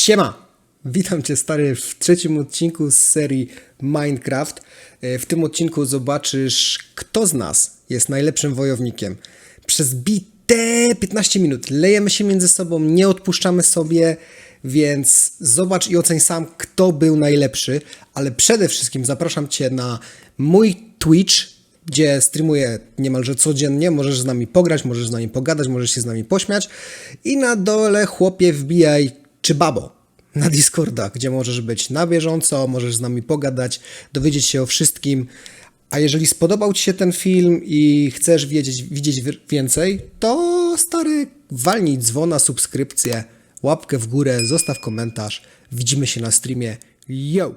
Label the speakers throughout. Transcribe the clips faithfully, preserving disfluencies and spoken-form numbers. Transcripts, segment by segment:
Speaker 1: Siema! Witam Cię, stary, w trzecim odcinku z serii Minecraft. W tym odcinku zobaczysz, kto z nas jest najlepszym wojownikiem. Przez bite piętnaście minut lejemy się między sobą, nie odpuszczamy sobie, więc zobacz i oceń sam, kto był najlepszy. Ale przede wszystkim zapraszam Cię na mój Twitch, gdzie streamuję niemalże codziennie. Możesz z nami pograć, możesz z nami pogadać, możesz się z nami pośmiać. I na dole, chłopie, wbijaj czy babo na Discorda, gdzie możesz być na bieżąco, możesz z nami pogadać, dowiedzieć się o wszystkim. A jeżeli spodobał Ci się ten film i chcesz wiedzieć, widzieć więcej, to stary, walnij dzwona, subskrypcję, łapkę w górę, zostaw komentarz. Widzimy się na streamie. Yo!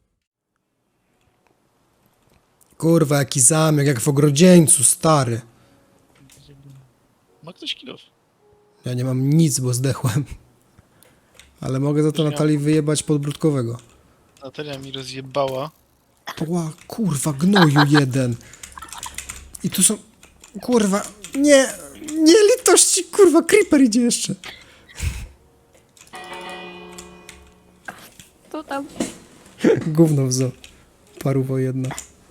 Speaker 1: Kurwa, jaki zamek, jak w ogrodzieńcu, stary.
Speaker 2: Ma ktoś kilof?
Speaker 1: Ja nie mam nic, bo zdechłem. Ale mogę za to Natalii wyjebać podbródkowego.
Speaker 2: Natalia mi rozjebała.
Speaker 1: Ła, kurwa, gnoju jeden. I tu są... Kurwa, nie, nie litości, kurwa, creeper idzie jeszcze.
Speaker 3: To tam.
Speaker 1: Gówno w zo. Paruwo jedna.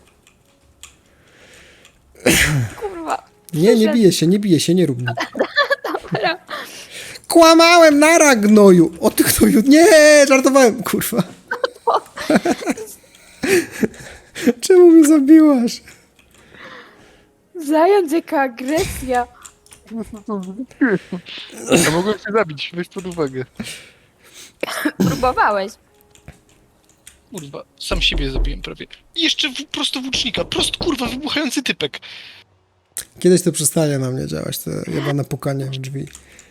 Speaker 3: Kurwa.
Speaker 1: Nie, nie bije się, nie bije się, nie rób mi.
Speaker 3: Dobra.
Speaker 1: Kłamałem, nara, gnoju. O ty gnoju, nie, żartowałem, kurwa. Czemu mnie zabiłaś?
Speaker 3: Zając, jaka agresja.
Speaker 2: Ja mogłem cię zabić, weź pod uwagę.
Speaker 3: Próbowałeś.
Speaker 2: Kurwa, sam siebie zabiłem prawie. I jeszcze w, prosto włócznika, prost kurwa, wybuchający typek.
Speaker 1: Kiedyś to przestanie na mnie działać, to jebane pukanie w drzwi.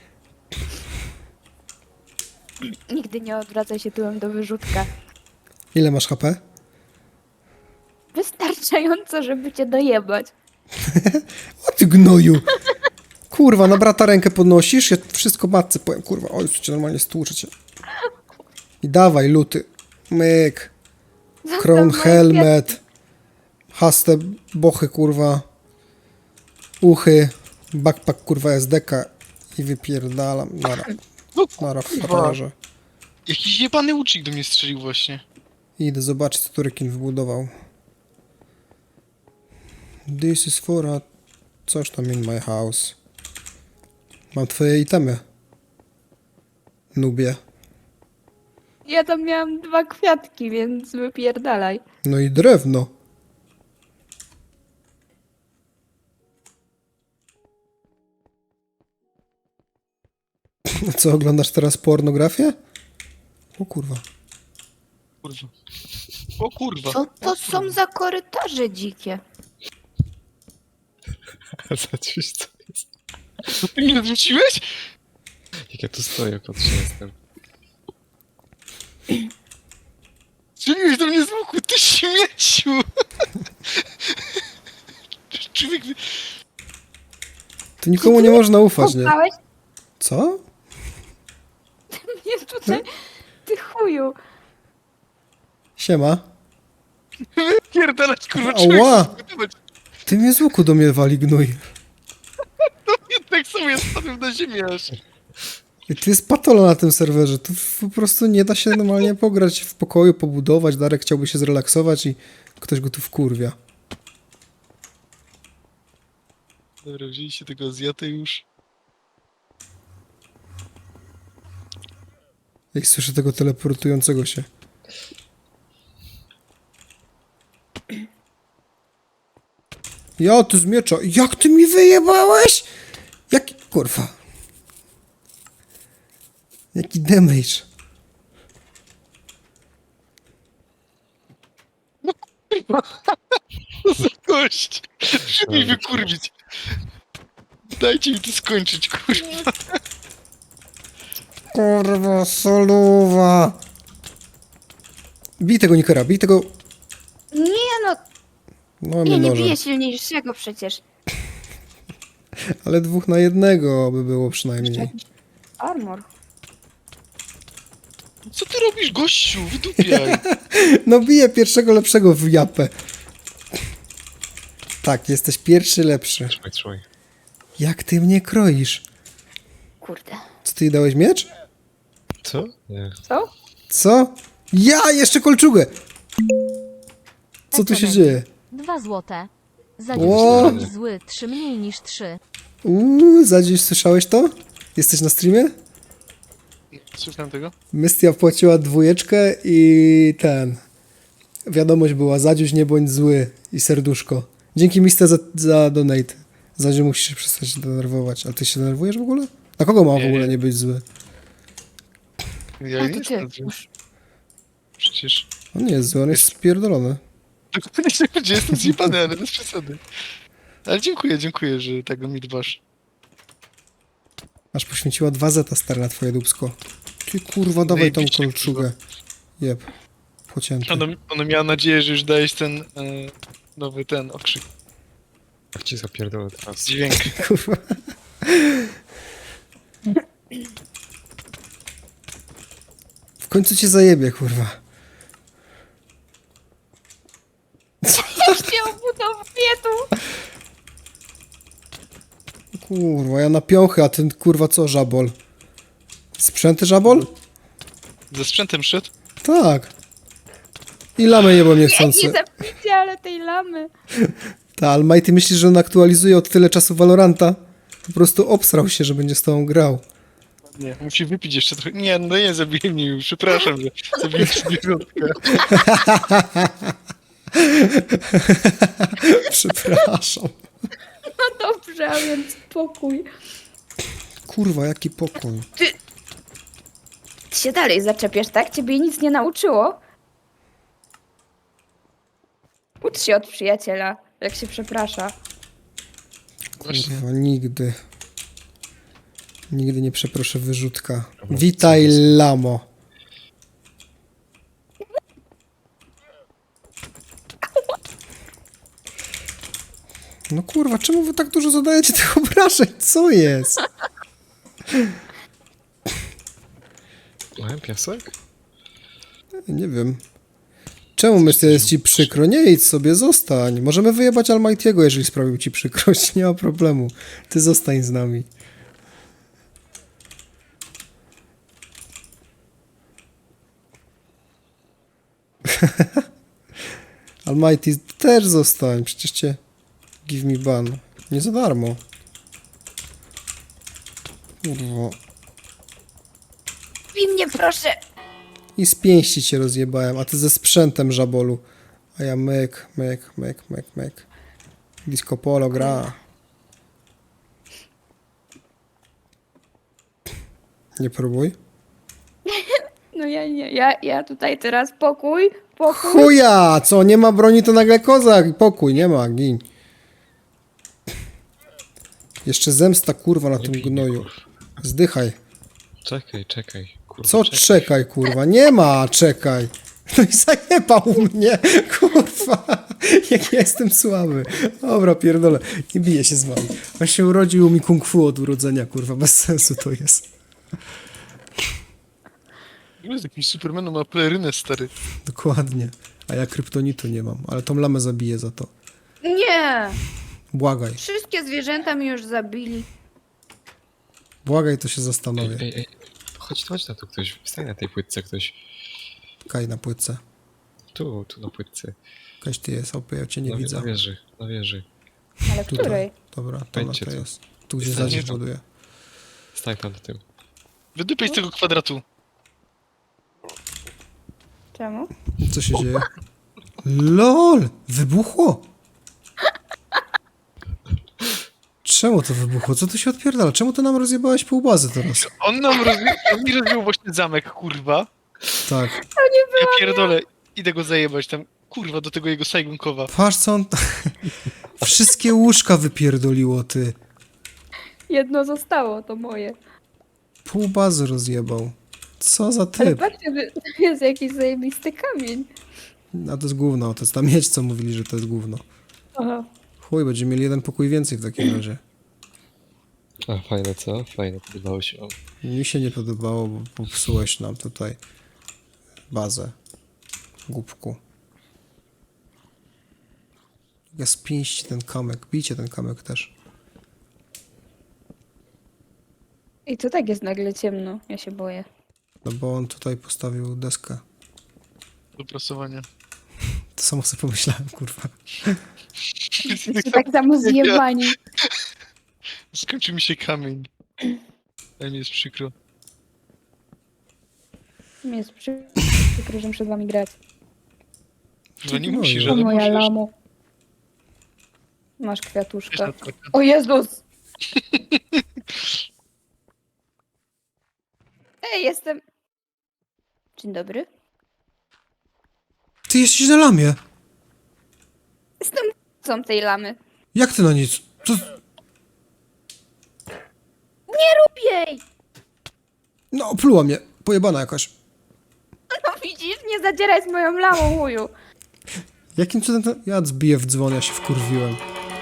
Speaker 3: Nigdy nie odwracaj się tyłem do wyrzutka.
Speaker 1: Ile masz H P?
Speaker 3: Wystarczająco, żeby cię dojebać.
Speaker 1: O ty gnoju! Kurwa, na brata rękę podnosisz? Ja wszystko matce powiem, kurwa. Oj, cię normalnie stłuczę cię. I dawaj, luty. Myk. Crown
Speaker 3: moje
Speaker 1: helmet. Haste bochy, kurwa. Uchy. Backpack, kurwa, S D K. I wypierdalam. Nara.
Speaker 2: No
Speaker 1: Nara w
Speaker 2: kurwa.
Speaker 1: frajerze.
Speaker 2: Jakiś jebany łucznik do mnie strzelił właśnie.
Speaker 1: Idę zobaczyć, co tu rekin wybudował. This is for a... Coś tam in my house. Mam twoje itemy. Nubie.
Speaker 3: Ja tam miałam dwa kwiatki, więc wypierdalaj.
Speaker 1: No i drewno. Co, oglądasz teraz pornografię? O kurwa.
Speaker 2: Kurwa. O kurwa.
Speaker 3: Co to są za korytarze dzikie?
Speaker 4: Zaciś, co jest?
Speaker 2: Co ty mnie odrzuciłeś?
Speaker 4: Jak ja tu stoję, patrzę, jestem.
Speaker 2: Strzeliłeś do mnie z łuku, ty śmieciu! Człowiek...
Speaker 1: Tu nikomu nie można ufać, nie?
Speaker 3: Kopałeś
Speaker 1: Co?
Speaker 3: mnie tutaj, ty chuju.
Speaker 1: Siema.
Speaker 2: Pierdalać kurwa,
Speaker 1: Ała!
Speaker 2: człowiek zbudować.
Speaker 1: Ty mnie z łuku do mnie wali, gnój.
Speaker 2: Tak samo ja spadłem na ziemię aż.
Speaker 1: I tu jest patola na tym serwerze. Tu po prostu nie da się normalnie pograć w pokoju, pobudować. Darek chciałby się zrelaksować i ktoś go tu wkurwia.
Speaker 2: Dobra, wzięliście tego Azjatę już.
Speaker 1: Jak słyszę tego teleportującego się. Ja, ty z miecza. Jak ty mi wyjebałeś? Jaki... Kurwa. Jaki damage.
Speaker 2: Co za gość! Muszę mi wykurwić. Dajcie mi to skończyć, kurwa.
Speaker 1: Kurwa, soluwa. Bij tego Nikera, bij tego...
Speaker 3: Nie no,
Speaker 1: No,
Speaker 3: ja
Speaker 1: mnie
Speaker 3: nie
Speaker 1: noże.
Speaker 3: biję silniejszego przecież.
Speaker 1: Ale dwóch na jednego by było przynajmniej.
Speaker 3: Armor.
Speaker 2: Co ty robisz, gościu? Wydupiaj.
Speaker 1: No biję pierwszego lepszego w japę. Tak, jesteś pierwszy lepszy.
Speaker 4: Trzymaj, trzymaj.
Speaker 1: Jak ty mnie kroisz?
Speaker 3: Kurde.
Speaker 1: Co ty jej dałeś miecz?
Speaker 4: Co Co? Nie.
Speaker 3: Co?
Speaker 1: Co? Ja jeszcze kolczugę! Co tu się dzieje?
Speaker 5: Dwa złote. Za
Speaker 1: Ło!
Speaker 5: dziesięć zły, trzy mniej niż trzy.
Speaker 1: Uuu, Zadziś, słyszałeś to? Jesteś na streamie?
Speaker 2: Słucham tego?
Speaker 1: Mystia płaciła dwójeczkę i ten... Wiadomość była, Zadziuś nie bądź zły i serduszko. Dzięki Mystia za, za donate. Zadziu musisz się przestać denerwować. Ale ty się denerwujesz w ogóle? Na kogo ma w
Speaker 2: Nie,
Speaker 1: ogóle
Speaker 2: nie.
Speaker 1: nie być zły?
Speaker 2: Ja
Speaker 3: A
Speaker 2: nie
Speaker 3: to ty.
Speaker 2: jestem zły. Przecież...
Speaker 1: On nie jest zły, on jest spierdolony.
Speaker 2: Dokładnie się będzie, jestem zjebany, ale bez przesady. Ale dziękuję, dziękuję, że tak o mnie dbasz.
Speaker 1: Aż poświęciła dwa zeta stary na twoje dupsko. Ty kurwa, dawaj tą
Speaker 2: Zajebiście,
Speaker 1: kolczugę. Jeb. Pocięty.
Speaker 2: Ona, ona miała nadzieję, że już dajesz ten e, nowy ten okrzyk.
Speaker 4: Jak ci zapierdolę teraz.
Speaker 2: Dźwięk.
Speaker 1: Kurwa. W końcu cię zajebie, kurwa.
Speaker 3: Się obudowuje tu!
Speaker 1: Kurwa, ja na piąchy, a ten kurwa co, żabol? Sprzęty żabol?
Speaker 2: Ze sprzętem szedł?
Speaker 1: Tak. I lamy jebą
Speaker 3: Nie
Speaker 1: niechcący.
Speaker 3: zapicie, ale tej lamy.
Speaker 1: Ta, ale Maj, ty myślisz, że on aktualizuje od tyle czasu Valoranta? Po prostu obsrał się, że będzie z tobą grał.
Speaker 2: Nie, musi wypić jeszcze trochę. Nie, no nie, zabiję mnie już. Przepraszam, że zabiłem sobie wyjątkę.
Speaker 1: Przepraszam.
Speaker 3: No dobrze, a więc spokój.
Speaker 1: Kurwa, jaki pokój.
Speaker 3: Ty się dalej zaczepiasz, tak? Ciebie nic nie nauczyło? Ucz się od przyjaciela, jak się przeprasza.
Speaker 2: Właśnie.
Speaker 1: Kurwa, nigdy. Nigdy nie przeproszę wyrzutka. Witaj, lamo. No kurwa, czemu wy tak dużo zadajecie tych obrażeń? Co jest?
Speaker 4: Mają piasek?
Speaker 1: Nie wiem. Czemu myślę, jest ci przykro? Nie idź sobie, zostań. Możemy wyjebać Almighty'ego, jeżeli sprawił ci przykrość. Nie ma problemu. Ty zostań z nami. Almighty, też zostań. Przecież cię... Give me ban. Nie za darmo. Kurwa.
Speaker 3: Win mnie proszę.
Speaker 1: I z pięści cię rozjebałem, a ty ze sprzętem żabolu. A ja myk, myk, myk, myk, myk. Disco Polo gra. Nie próbuj.
Speaker 3: No ja nie, ja, ja tutaj teraz pokój, pokój.
Speaker 1: Chuja! Co, nie ma broni, to nagle kozak. Pokój, nie ma, gin. Jeszcze zemsta, kurwa, na
Speaker 4: Nie
Speaker 1: tym
Speaker 4: bij mnie,
Speaker 1: gnoju.
Speaker 4: kurwa.
Speaker 1: Zdychaj.
Speaker 4: Czekaj, czekaj. Kurwa,
Speaker 1: Co
Speaker 4: czekaj.
Speaker 1: czekaj, kurwa? Nie ma, czekaj. No i zajebał mnie, kurwa. Jak ja jestem słaby. Dobra, pierdolę. Nie biję się z wami. On się urodził mi kung fu od urodzenia, kurwa. Bez sensu to jest.
Speaker 2: Z jakimś Supermanem ma pelerynę, stary.
Speaker 1: Dokładnie. A ja kryptonitu nie mam, ale tą lamę zabiję za to.
Speaker 3: Nie,
Speaker 1: Błagaj.
Speaker 3: wszystkie zwierzęta mi już zabili.
Speaker 1: Błagaj, to się
Speaker 4: Ej,
Speaker 1: zastanowię.
Speaker 4: ej, ej. Chodź, chodź na tu ktoś. Wstań na tej płytce ktoś.
Speaker 1: Kaj na płytce.
Speaker 4: Tu, tu na płytce.
Speaker 1: Kaś ty jest, opie, ja cię nie
Speaker 4: na,
Speaker 1: widzę.
Speaker 4: Na wieży, na wieży.
Speaker 3: Ale
Speaker 1: Tutaj.
Speaker 3: której?
Speaker 1: Dobra, dobra,
Speaker 4: Pędźcie
Speaker 1: to
Speaker 4: tu.
Speaker 1: jest. Tu gdzie
Speaker 4: Wstańcie
Speaker 1: zadziw
Speaker 4: tu.
Speaker 1: buduje.
Speaker 4: Stań tam na tym.
Speaker 2: Wydypaj z tego kwadratu.
Speaker 3: Czemu?
Speaker 1: Co się dzieje? LOL! Wybuchło! Czemu to wybuchło? Co tu się odpierdala? Czemu ty nam rozjebałeś pół bazy teraz?
Speaker 2: On nam rozbił, on mi rozbił właśnie zamek, kurwa.
Speaker 1: Tak.
Speaker 2: Ja pierdolę, idę go zajebać tam, kurwa, do tego jego Saigonkowa.
Speaker 1: Patrz co on... Wszystkie łóżka wypierdoliło, ty.
Speaker 3: Jedno zostało, to moje.
Speaker 1: Pół bazy rozjebał. Co za
Speaker 3: Ale
Speaker 1: typ?
Speaker 3: patrzcie, że to jest jakiś zajebisty kamień.
Speaker 1: A to jest gówno, to jest ta miedź, co mówili, że to jest gówno.
Speaker 3: Aha.
Speaker 1: Chuj, będziemy mieli jeden pokój więcej w takim razie.
Speaker 4: A, fajne co? Fajne, podobało się wam.
Speaker 1: Mi się nie podobało, bo popsułeś nam tutaj bazę. Głupku. Ja spięści ten kamyk, bijcie ten kamyk też.
Speaker 3: I to tak jest nagle ciemno, ja się boję.
Speaker 1: No bo on tutaj postawił deskę.
Speaker 2: Do prasowania.
Speaker 1: To samo sobie pomyślałem, kurwa.
Speaker 3: Jesteście tak samo zjebani.
Speaker 2: Skończył mi się kamień. Ale mi jest przykro.
Speaker 3: Mi jest przy- przykro, że muszę z wami grać.
Speaker 2: No nie
Speaker 1: No
Speaker 2: musisz,
Speaker 1: i-
Speaker 3: O
Speaker 2: ale
Speaker 3: moja
Speaker 2: musisz.
Speaker 3: lamo. Masz
Speaker 2: Wiesz,
Speaker 3: kwiatuszka.
Speaker 2: Natalka.
Speaker 3: O Jezus! Ej, jestem... Dzień dobry.
Speaker 1: Ty jesteś na lamie!
Speaker 3: Jestem c***cą tej lamy.
Speaker 1: Jak ty na nic? To...
Speaker 3: Jej!
Speaker 1: No, opluła mnie. Pojebana jakaś.
Speaker 3: No widzisz, nie zadzieraj z moją lamą, chuju.
Speaker 1: Jakim cudem to... Ja zbiję w dzwon, ja się wkurwiłem.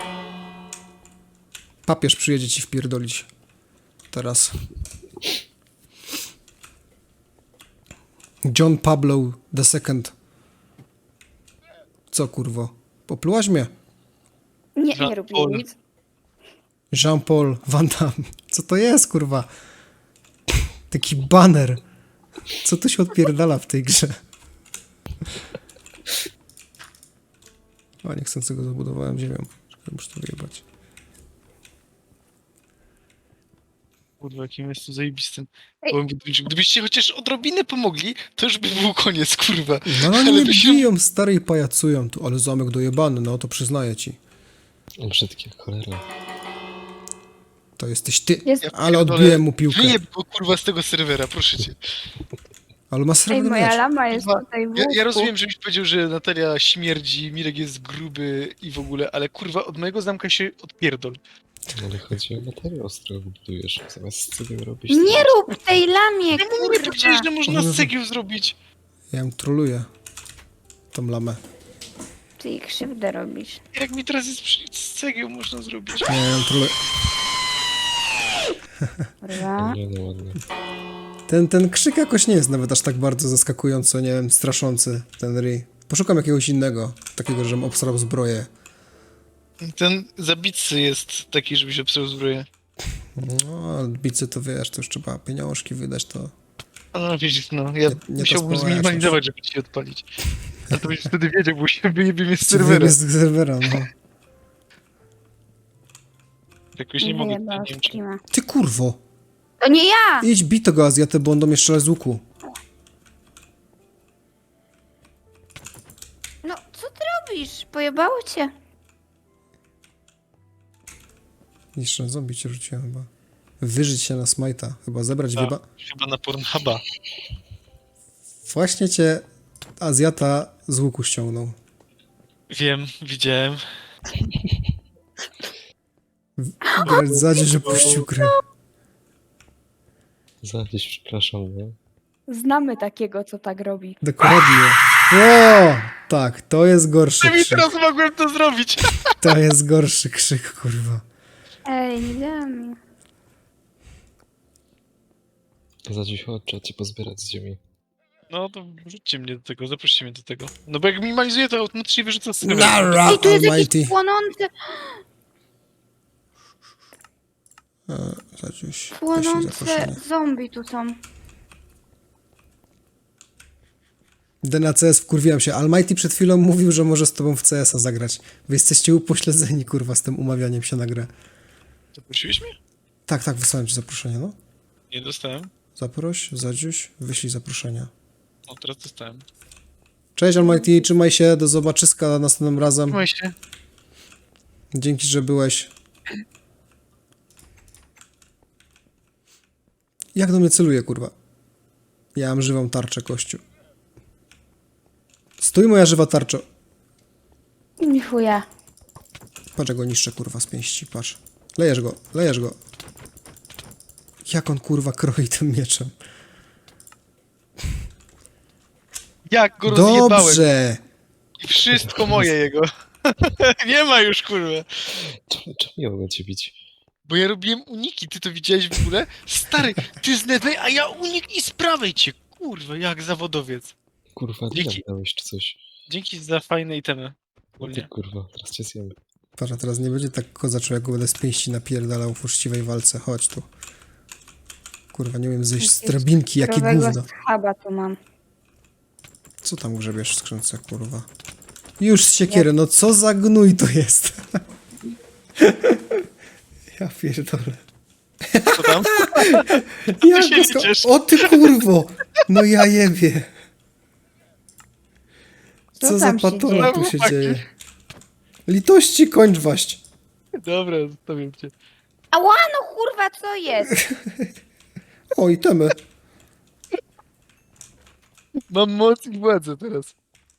Speaker 1: Papież przyjedzie ci wpierdolić. Teraz. John Pablo the Second. Co kurwo? Poplułaś mnie?
Speaker 3: Nie, nie
Speaker 2: Jean
Speaker 3: rób mi
Speaker 2: Paul.
Speaker 3: nic.
Speaker 1: Jean-Paul Van Damme. Co to jest, kurwa? Taki baner. Co tu się odpierdala w tej grze? A niechcący go zabudowałem ziemią. Muszę to wyjebać.
Speaker 2: Kurwa, jakim jest tu zajebistym.
Speaker 3: Ej.
Speaker 2: Powiem, gdybyście- Gdybyście chociaż odrobinę pomogli, to już by był koniec, kurwa.
Speaker 1: No ale
Speaker 2: Ale
Speaker 1: nie
Speaker 2: by się-
Speaker 1: biją, stary, i pajacują tu. Ale zamek dojebany, no to przyznaję ci.
Speaker 4: Brzydkie, cholera.
Speaker 1: To jesteś ty.
Speaker 3: Jest...
Speaker 1: Ale odbiłem mu piłkę.
Speaker 2: Wyjeb go, kurwa, z tego serwera, proszę cię.
Speaker 1: Ale ma
Speaker 3: Ej,
Speaker 1: srebrny
Speaker 3: moja
Speaker 1: miecz.
Speaker 3: lama jest
Speaker 2: Kurwa,
Speaker 3: tutaj w
Speaker 2: Ja,
Speaker 3: łóżku.
Speaker 2: ja rozumiem, żebyś powiedział, że Natalia śmierdzi, Mirek jest gruby i w ogóle, ale kurwa, od mojego zamka się odpierdol.
Speaker 4: Ale chodzi o materiał, z którego budujesz. Zamiast z cegieł robisz...
Speaker 3: Nie rób tej lamie,
Speaker 2: Ja mu nie powiedziałeś,
Speaker 3: kurwa.
Speaker 2: że można z cegieł zrobić.
Speaker 1: Ja ją troluję. Tą lamę.
Speaker 3: Ty jej krzywdę robisz.
Speaker 2: Jak mi teraz jest przy... z cegieł można zrobić.
Speaker 1: Ja ją troluję.
Speaker 3: Kurwa.
Speaker 4: Nie, no ładnie.
Speaker 1: Ten, ten krzyk jakoś nie jest nawet aż tak bardzo zaskakująco, nie wiem, straszący, ten ryj. Poszukam jakiegoś innego, takiego, żebym obsrał zbroję.
Speaker 2: Ten zabitcy jest taki, żebyś obsrał zbroję.
Speaker 1: No, ale bicy to wiesz, to już trzeba pieniążki wydać, to...
Speaker 2: A no widzisz, no, ja
Speaker 1: Nie- nie to
Speaker 2: musiałbym
Speaker 1: społeczność.
Speaker 2: zminimalizować, żeby ci odpalić. A to byś wtedy wiedział, bo się wyjebie mnie z
Speaker 1: Serwera.
Speaker 2: serwera.
Speaker 1: Z serwera, no.
Speaker 2: Jakoś nie mogę, nie
Speaker 3: Wyjebała
Speaker 2: wiem czy...
Speaker 3: streama.
Speaker 1: Ty kurwo!
Speaker 3: To nie ja!
Speaker 1: Idź bij tego Azjatę, bo on do mnie strzela z łuku.
Speaker 3: No, co ty robisz? Pojebało cię.
Speaker 1: Jeszcze zombie cię rzuciłem chyba. Wyżyć się na smajta. Chyba zebrać
Speaker 2: A,
Speaker 1: wieba.
Speaker 2: chyba na Pornhuba.
Speaker 1: Właśnie cię Azjata z łuku ściągnął.
Speaker 2: Wiem, widziałem.
Speaker 1: Grać zadzie, że puścił grę.
Speaker 4: Za gdzieś przepraszam, no.
Speaker 3: Znamy takiego, co tak robi.
Speaker 1: Dokładnie. O! Tak, to jest gorszy
Speaker 2: Ja mi
Speaker 1: krzyk.
Speaker 2: teraz mogłem to zrobić.
Speaker 1: To jest gorszy krzyk, kurwa.
Speaker 3: Ej, nie dam.
Speaker 4: Za dziś chodź, trzeba cię pozbierać z ziemi.
Speaker 2: No to wrzućcie mnie do tego, zaproście mnie do tego. No bo jak minimalizuję, to automatycznie wyrzuca z serwera.
Speaker 1: Nara
Speaker 3: Ej, tu jest
Speaker 1: Almighty.
Speaker 3: jakiś płonący,
Speaker 1: E, Zadziuś, wyślij
Speaker 3: płonące
Speaker 1: zaproszenie.
Speaker 3: zombie tu są.
Speaker 1: D na C S wkurwiłem się. Almighty przed chwilą mówił, że może z tobą w C S a zagrać. Wy jesteście upośledzeni, kurwa, z tym umawianiem się na grę.
Speaker 2: Zaprosiłeś mnie?
Speaker 1: Tak, tak, wysłałem ci zaproszenie, no.
Speaker 2: Nie dostałem.
Speaker 1: Zaproś, Zadziuś, wyślij zaproszenia.
Speaker 2: O, teraz dostałem.
Speaker 1: Cześć Almighty, trzymaj się, do zobaczyska następnym razem.
Speaker 2: Trzymaj się.
Speaker 1: Dzięki, że byłeś. Jak do mnie celuje, kurwa? Ja mam żywą tarczę, kościół. Stój, moja żywa tarczo.
Speaker 3: Nie chuja.
Speaker 1: Patrz, jak go niszczę, kurwa, z pięści, patrz. Lejesz go, lejesz go. Jak on, kurwa, kroi tym mieczem.
Speaker 2: Jak go rozjebałem.
Speaker 1: Dobrze!
Speaker 2: I wszystko moje jego. Nie ma już, kurwa.
Speaker 4: Czemu, czemu ja mogę cię bić?
Speaker 2: Bo ja robiłem uniki, ty to widziałeś w ogóle? Stary, ty z lewej, a ja unik i z prawej cię. Kurwa, jak zawodowiec.
Speaker 4: Kurwa, ty
Speaker 2: Dzięki.
Speaker 4: nam dałeś czy coś.
Speaker 2: Dzięki za fajne itemy.
Speaker 4: No ty
Speaker 2: Ogólnie.
Speaker 4: kurwa, teraz cię zjem.
Speaker 1: Patrz, a teraz nie będzie tak kozaczył, jak go będę z pięści napierdalał w uczciwej walce. Chodź tu. Kurwa, nie wiem zejść z drabinki, jakie
Speaker 3: Surowego
Speaker 1: gówno.
Speaker 3: schaba tu mam.
Speaker 1: Co tam grzebiesz w skrzynce, kurwa? Już z siekiery, no co za gnój to jest? Ja pierdolę.
Speaker 2: Co tam?
Speaker 1: Ja
Speaker 2: się
Speaker 1: go ska-
Speaker 2: liczysz?
Speaker 1: O ty kurwo! No ja jebie.
Speaker 3: Co
Speaker 1: Co za
Speaker 3: tam się
Speaker 1: patola
Speaker 3: dzieje?
Speaker 1: tu się
Speaker 2: Chłopaki.
Speaker 1: dzieje? Litości kończ waść.
Speaker 2: Dobra, zostawiam cię.
Speaker 3: Ała, no kurwa, co jest?
Speaker 1: O, itemy.
Speaker 2: Mam moc i władzę teraz.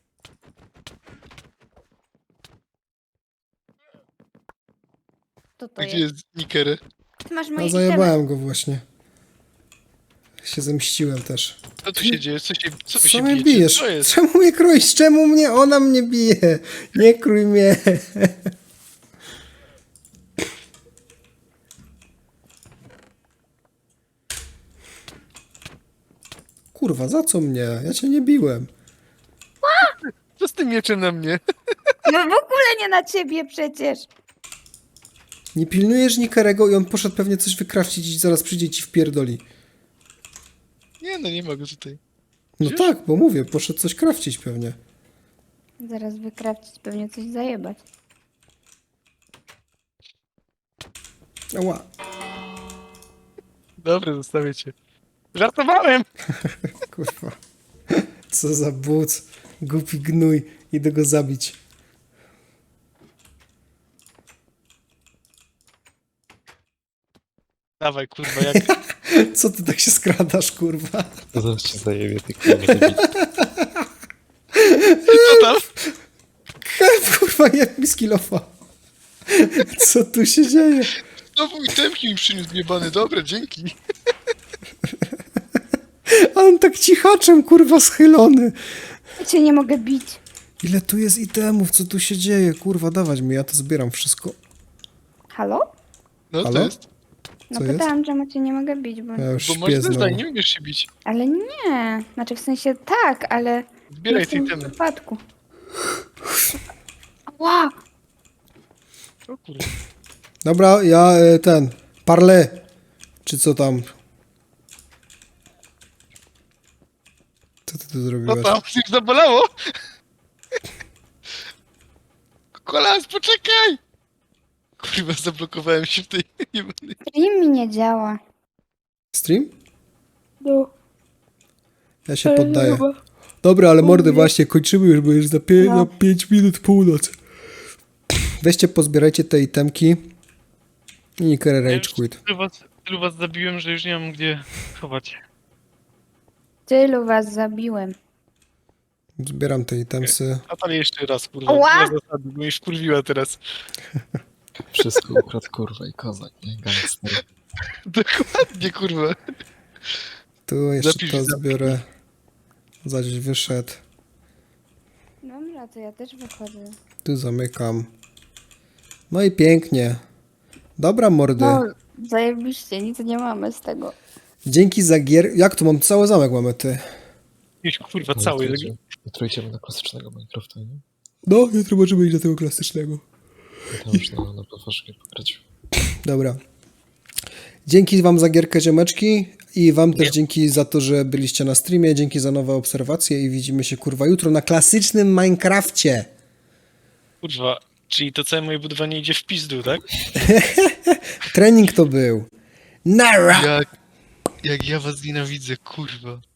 Speaker 3: Co to
Speaker 2: Gdzie
Speaker 3: jest?
Speaker 2: jest Nikery?
Speaker 3: Ty masz
Speaker 1: No
Speaker 3: moje itemy.
Speaker 1: zajebałem go właśnie. Się zemściłem też.
Speaker 2: Co tu się dzieje? Co, się, co wy
Speaker 1: Co
Speaker 2: się
Speaker 1: mnie
Speaker 2: bijecie?
Speaker 1: bijesz?
Speaker 2: Co jest?
Speaker 1: Czemu mnie krójś? Czemu mnie? Ona mnie bije. Nie krój mnie. Kurwa, za co mnie? Ja cię nie biłem.
Speaker 2: Co z tym mieczem na mnie?
Speaker 3: No w ogóle nie na ciebie przecież.
Speaker 1: Nie pilnujesz Nikerego i on poszedł pewnie coś wykrawcić i zaraz przyjdzie i ci wpierdoli.
Speaker 2: Nie no, nie mogę tutaj.
Speaker 1: No
Speaker 2: Widzisz?
Speaker 1: tak, bo mówię, poszedł coś krawcić pewnie.
Speaker 3: Zaraz wykrawcić, pewnie coś zajebać.
Speaker 1: Ała,
Speaker 2: Dobra, zostawię cię. Żartowałem!
Speaker 1: kurwa. Co za buc. Głupi gnój. Idę go zabić.
Speaker 2: Dawaj, kurwa, jak...
Speaker 1: Co ty tak się skradasz, kurwa?
Speaker 4: To zaraz cię zajebie, ty kurwa debil.
Speaker 2: Co tam?
Speaker 1: Help, kurwa, jak mi skillofa. Co tu się dzieje?
Speaker 2: Znowu itemki mi przyniósł jebany. Dobra, dzięki.
Speaker 1: A on tak cichaczem, kurwa, schylony.
Speaker 3: Ja cię nie mogę bić.
Speaker 1: Ile tu jest itemów? Co tu się dzieje? Kurwa, dawać mi, ja to zbieram wszystko.
Speaker 3: Halo?
Speaker 2: No
Speaker 1: Halo?
Speaker 2: to jest.
Speaker 3: No
Speaker 1: Co jest?
Speaker 3: pytałam, czemu cię nie mogę bić, bo...
Speaker 1: Ja już
Speaker 2: Bo masz
Speaker 1: śpię znowu.
Speaker 2: zdań, nie umiesz się bić.
Speaker 3: Ale nie. Znaczy w sensie tak, ale...
Speaker 2: Zbieraj
Speaker 3: nie w
Speaker 2: te
Speaker 3: tym
Speaker 2: itemy.
Speaker 3: wypadku. Ała!
Speaker 2: O kurwa.
Speaker 1: Dobra, ja e, ten, parle, czy co tam? Co ty tu
Speaker 2: Co
Speaker 1: zrobiłeś?
Speaker 2: tam? Coś zabolało? Kolas, poczekaj! Kurwa, zablokowałem się w tej jebanej...
Speaker 3: Stream mi nie działa.
Speaker 1: Stream?
Speaker 3: No.
Speaker 1: Ja się poddaję. Dobra, ale mordy, właśnie kończymy już, bo już za, pie-
Speaker 3: No.
Speaker 1: za pięć minut północ. Weźcie, pozbierajcie te itemki. I Niker
Speaker 2: Ja
Speaker 1: Rage
Speaker 2: już
Speaker 1: Quit.
Speaker 2: tylu was, tylu was zabiłem, że już nie mam gdzie chować.
Speaker 3: Tylu was zabiłem.
Speaker 1: Zbieram te itemsy.
Speaker 2: A tam jeszcze raz, kurwa.
Speaker 3: Ła!
Speaker 2: Na zasady, bo już kurwiła teraz.
Speaker 4: Wszystko ukradł kurwa i kozak, nie? Gangster.
Speaker 2: Dokładnie, kurwa.
Speaker 1: Tu jeszcze
Speaker 2: Zapisz,
Speaker 1: to
Speaker 2: zapisz.
Speaker 1: zbiorę. Zaś wyszedł.
Speaker 3: Dobra, to ja też wychodzę.
Speaker 1: Tu zamykam. No i pięknie. Dobra, mordy.
Speaker 3: No, zajebiście, nic nie mamy z tego.
Speaker 1: Dzięki za gier... Jak tu mam? Cały zamek mamy, ty.
Speaker 2: Już kurwa cały.
Speaker 4: Jutro idziemy- Jutro idziemy na klasycznego Minecrafta, nie?
Speaker 1: No, jutro możemy iść do tego klasycznego.
Speaker 4: I tam już na, na platformie pograć.
Speaker 1: Dobra. Dzięki wam za gierkę, ziomeczki. I wam też
Speaker 2: Nie.
Speaker 1: dzięki za to, że byliście na streamie. Dzięki za nowe obserwacje i widzimy się, kurwa, jutro na klasycznym Minecrafcie.
Speaker 2: Kurwa, czyli to całe moje budowanie idzie w pizdu, tak?
Speaker 1: Trening to był. Nara!
Speaker 2: Jak, jak ja was nienawidzę, kurwa.